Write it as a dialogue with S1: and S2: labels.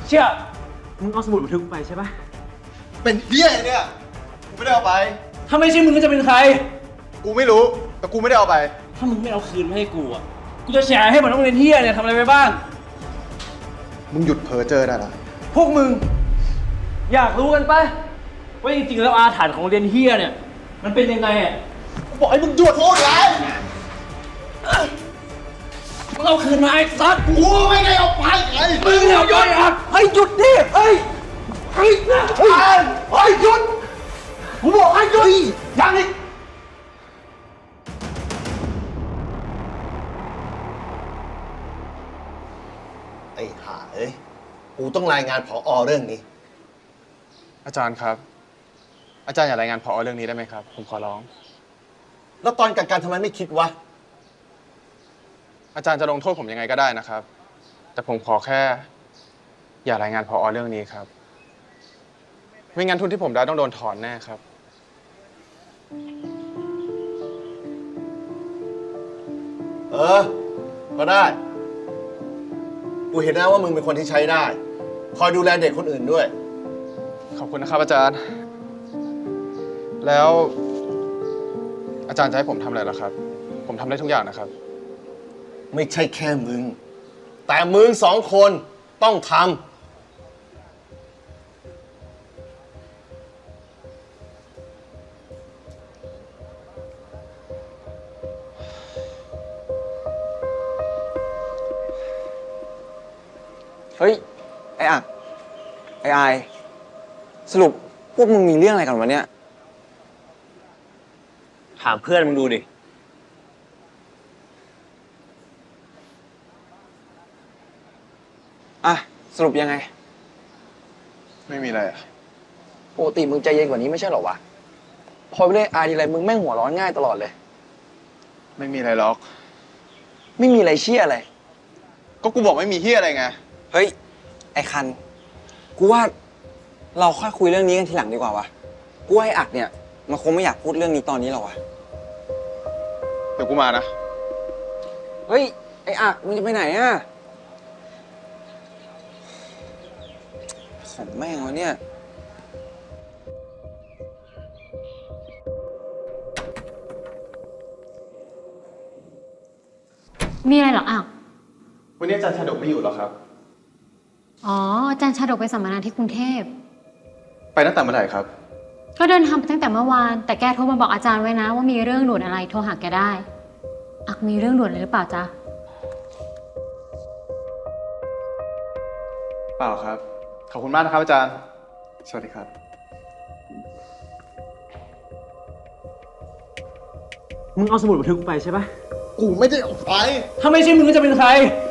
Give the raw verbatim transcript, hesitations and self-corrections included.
S1: เชี่ยมึงเอาสมุดบันทึกกูไปใช่ปะ
S2: เป็นเหี้ยเนี่ยกูไม่ได้เอาไป
S1: ถ้าไม่ใช่มึงก็จะเป็นใคร
S2: กูไม่รู้แต่กูไม่ได้เอาไป
S1: ถ้ามึงไม่เอาคืนมาให้กูอ่ะกูจะแฉให้มันต้องเรียนเฮียเนี่ยทำอะไรไปบ้าง
S2: มึงหยุดเพ้อเจ้อได้ละ
S1: พวกมึงอยากรู้กันปะว่าจริงๆแล้วอาถรรพ์ของเรียนเฮียเนี่ยมันเป็นยังไงอ่ะ
S2: กูบอกให้มึงหยุดพูดไง
S1: มึงเอาคืนมาไอ้สัตว์
S2: กูไม่ได้เอาไปไง
S1: มึงเอาหยุดอ่ะให้หยุดดิเฮ้ยเฮ้ยเฮ้ยเฮ้ยหยุดกูบอกให้หยุดยังอีก
S2: ไอ้ห่าเอ้ยกูต้องรายงานผอ.เรื่องนี้
S3: อาจารย์ครับอาจารย์อย่ารายงานผอ.เรื่องนี้ได้ไหมครับผมขอร้อง
S2: แล้วตอนกักกันทำไมไม่คิดวะ
S3: อาจารย์จะลงโทษผมยังไงก็ได้นะครับแต่ผมขอแค่อย่ารายงานผอ.เรื่องนี้ครับไม่งั้นทุนที่ผมได้ต้องโดนถอนแน่ครับ
S2: เออก็ได้กูเห็นนะว่ามึงเป็นคนที่ใช้ได้คอยดูแลเด็กคนอื่นด้วย
S3: ขอบคุณนะครับอาจารย์แล้วอาจารย์จะให้ผมทำอะไรล่ะครับผมทำได้ทุกอย่างนะครับ
S2: ไม่ใช่แค่มึงแต่มึงสองคนต้องทำ
S4: เฮ้ยไอ้อักไอ้ไอสรุปพวกมึงมีเรื่องอะไรกันวะเนี่ย
S1: ถามเพื่อนมึงดูดิ
S4: อ่ะสรุปยังไง
S3: ไม่มีอะไรอะ
S4: ปกติมึงใจเย็นกว่านี้ไม่ใช่หรอวะพอไปเล่นไอทีไรมึงแม่งหัวร้อนง่ายตลอดเลย
S3: ไม่มีอะไรหรอก
S4: ไม่มีอะไรเชี่ยอะไร
S3: ก็กูบอกไม่มีเฮียอะไรไง
S4: เฮ้ยไอ้คันกูว่าเราค่อยคุยเรื่องนี้กันทีหลังดีกว่าวะกูว่าไอ้อักเนี่ยมันคงไม่อยากพูดเรื่องนี้ตอนนี้หรอกวะ
S3: เดี๋ยวกูมานะ
S4: เฮ้ยไอ้อักมึงจะไปไหนอะของแม่งวะเนี่ย
S5: มีอะไรหรออ้าว
S3: วันนี้อาจารย์ชาดกไม่อยู่หรอครับ
S5: อ๋ออาจารย์ชาดกไปสัมมนาที่กรุงเทพ
S3: ไปตั้งแต่เมื่อไหร่ครับ
S5: ก็เดินทางไปตั้งแต่เมื่อวานแต่แกโทรมาบอกอาจารย์ไว้นะว่ามีเรื่องด่วนอะไรโทรหาแกได้อักมีเรื่องด่วนอะไรหรือเปล่าจ๊ะ
S3: เปล่าครับขอบคุณมากนะครับอาจารย์สวัสดีครับ
S1: มึงเอาสมุดบันทึกกูไปใช่ปะ
S2: กูไม่ได้เอาไป
S1: ถ้าไม่ใช่มึงก็จะเป็นใคร